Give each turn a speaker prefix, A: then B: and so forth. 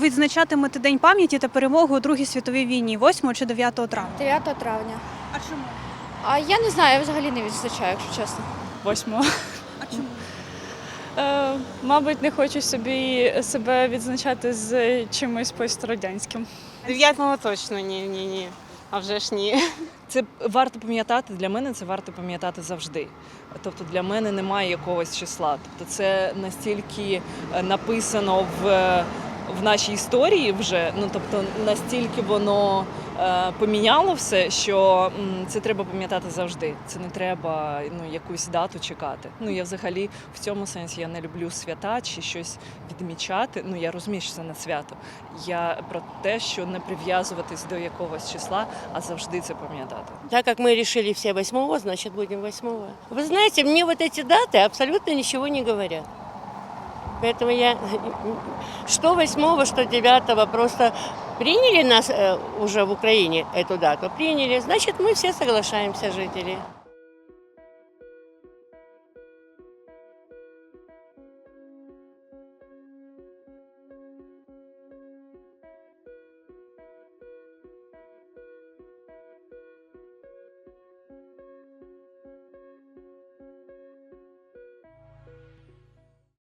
A: відзначатимете День пам'яті та перемоги у Другій світовій війні 8 чи 9 травня?
B: 9 травня.
A: А чому?
B: А я не знаю, я взагалі не відзначаю, якщо чесно.
C: 8-го.
A: А чому?
C: Мабуть, не хочу себе відзначати з чимось пострадянським.
D: 9-го точно ні. А вже ж ні.
E: Це варто пам'ятати, для мене це варто пам'ятати завжди. Тобто для мене немає якогось числа. Тобто це настільки написано в нашій історії вже, тобто настільки воно поміняло все, що це треба пам'ятати завжди. Це не треба якусь дату чекати. Я взагалі в цьому сенсі я не люблю свята чи щось відмічати. Я розумію, що це не свято. Я про те, що не прив'язуватись до якогось числа, а завжди це пам'ятати.
F: Так как мы решили все 8-го, значит будем 8-го. Вы знаете, мне вот эти даты абсолютно ничего не говорят. Поэтому я что 8-го, что 9-го, просто приняли нас уже в Украине эту дату, приняли, значит мы все соглашаемся, жители.